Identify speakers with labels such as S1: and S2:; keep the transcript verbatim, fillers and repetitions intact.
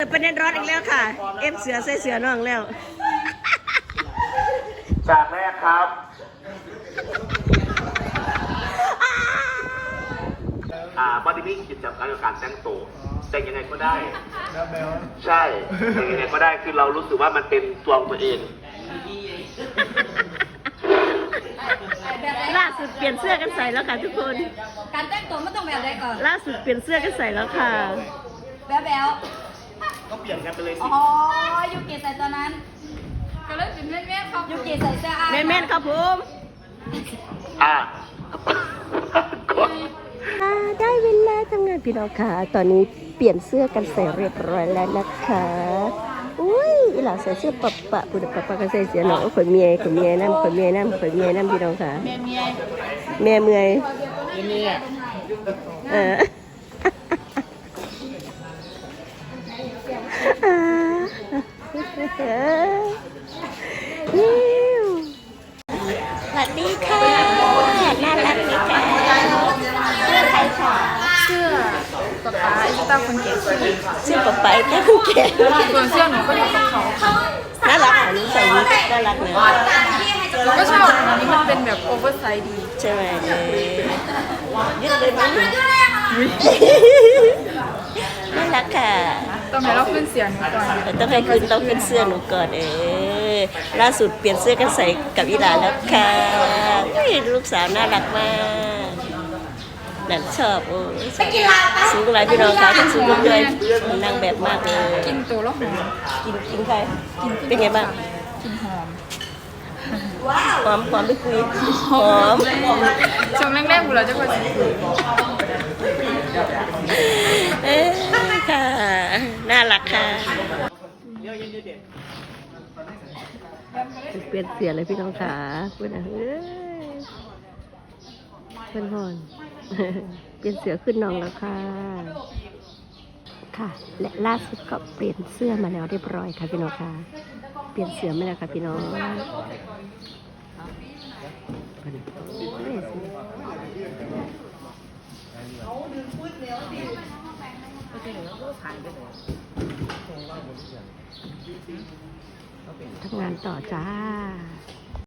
S1: ประเด็นร้อนอีกแล้วค่ะเอฟเสือใส่เสือน้องแล้ว
S2: จากแรกครับอ่าบอดี้นี้กิจกรรมการแต่งตัวแต่งยังไงก็ได้ใช่แต่งยังไงก็ได้คือเรารู้สึกว่ามันเป็นตัวของตัวเอง
S1: ล่าสุดเปลี่ยนเสื้อกันใส่แล้วค่ะทุกคน
S3: การแต่งตัวไม่ต้องแบบใดก่อน
S1: ล่าสุดเปลี่ยนเสื้อกันใส่แล้วค่ะ
S3: แบ๊วแบ๊ว
S2: ก็เปลี่ยนกันไปเลยสิ
S3: อ๋อยูกิใส่ตัวนั้นก็เลยเป็นแม่แม่ครับยูกิใส่เสื้อ
S1: แม่แม่ครับผม
S2: อ่า
S1: ได้เวลาทำงานพี่น้องค่ะตอนนี้เปลี่ยนเสื้อกันใส่เรียบร้อยแล้วนะคะอุ้ยหล่าใส่เสื้อปะปะปุดปะปะก็ใส่เสื้อหนองขนเมียขนเมียน้ำขนเมียน้ำขนเมียน้ำพี่น้องค่ะเมียเมียเมียเออสวัสดีค่ะน่ารักดีค่ะเสื้อใครค่ะ
S4: เสื้อป๊าป๊าไอ้ตาคนเก๋สิ
S1: เสื้อป๊าป๊าแต่คุณเก๋
S4: ส่วนเสื้อหนูก็อยู่กับเขา
S1: น่ารักอ่ะนี่ใส่นี้น่ารักเลย
S4: แล้วก็ชอบอันนี้มันเป็นแบบโอเวอร์ไซส์ดี
S1: ใช่ไหมยืดเลยมั้ยน่ารักค่ะ
S4: ต้องให้เราขึ้นเสียงหนูก่อน
S1: ต้องให้ขึ้นต้องขึ้นเสื้อหนูก่อนเออล่าสุดเปลี่ยนเสื้อกันใส่กับอีหลาแล้วค่ะลูกสาวน่ารักมากหลานชอบโอ้สูงหลายพี่น้องค่ะทั้งสูงด้วยนางแบบมากเลย
S4: กินตัวแล้วหอม
S1: กินกินใครเป็นไงบ้าง
S4: กินหอม
S1: หอมหอมไปคุยหอม
S4: ช่วงแรกๆบุเราจะคุย
S1: เอ๊ะค่ะน่ารักค่ะเปลี่ยนเสียเลยพี่น้องขาเพื่อนเฮ้ยเพื่อนพอนเปลี่ยนเสือขึ้นน้องแล้วค่ะค่ะและล่าสุดก็เปลี่ยนเสื้อมาแล้วเรียบร้อยค่ะพี่น้องค่ะเปลี่ยนเสือมาแล้วค่ะพี่น้องทำงานต่อจ้า